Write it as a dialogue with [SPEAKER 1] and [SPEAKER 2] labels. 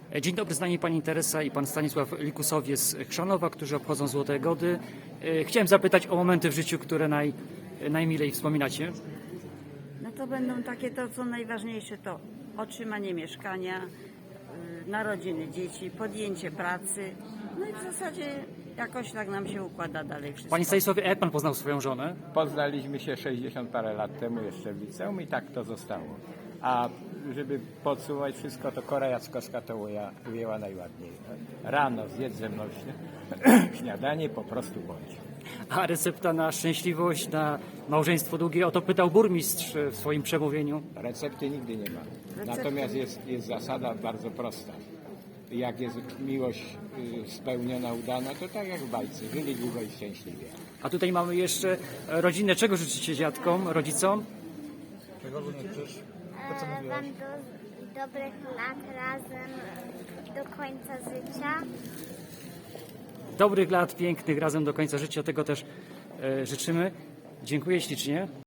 [SPEAKER 1] Dzień dobry, z nami pani Teresa i pan Stanisław Likusowie z Chrzanowa, którzy obchodzą Złote Gody. Chciałem zapytać o momenty w życiu, które najmilej wspominacie.
[SPEAKER 2] No to będą takie to, co najważniejsze, to otrzymanie mieszkania, narodziny dzieci, podjęcie pracy. No i w zasadzie jakoś tak nam się układa dalej wszystko.
[SPEAKER 1] Panie Stanisławie, a jak pan poznał swoją żonę?
[SPEAKER 3] Poznaliśmy się 60 parę lat temu jeszcze w liceum i tak to zostało. A żeby podsumować wszystko, to Kora Jackowska to ujęła najładniej. Rano zjedz ze mną śniadanie, po prostu bądź.
[SPEAKER 1] A recepta na szczęśliwość, na małżeństwo długie, o to pytał burmistrz w swoim przemówieniu.
[SPEAKER 3] Recepty nigdy nie ma. Natomiast jest zasada bardzo prosta. Jak jest miłość spełniona, udana, to tak jak w bajce. Żyli długo i szczęśliwie.
[SPEAKER 1] A tutaj mamy jeszcze rodzinę. Czego życzycie dziadkom, rodzicom?
[SPEAKER 4] Czego życzysz? To co mówiłaś?
[SPEAKER 5] Wam dobrych lat razem do końca życia.
[SPEAKER 1] Dobrych lat, pięknych, razem do końca życia. Tego też życzymy. Dziękuję ślicznie.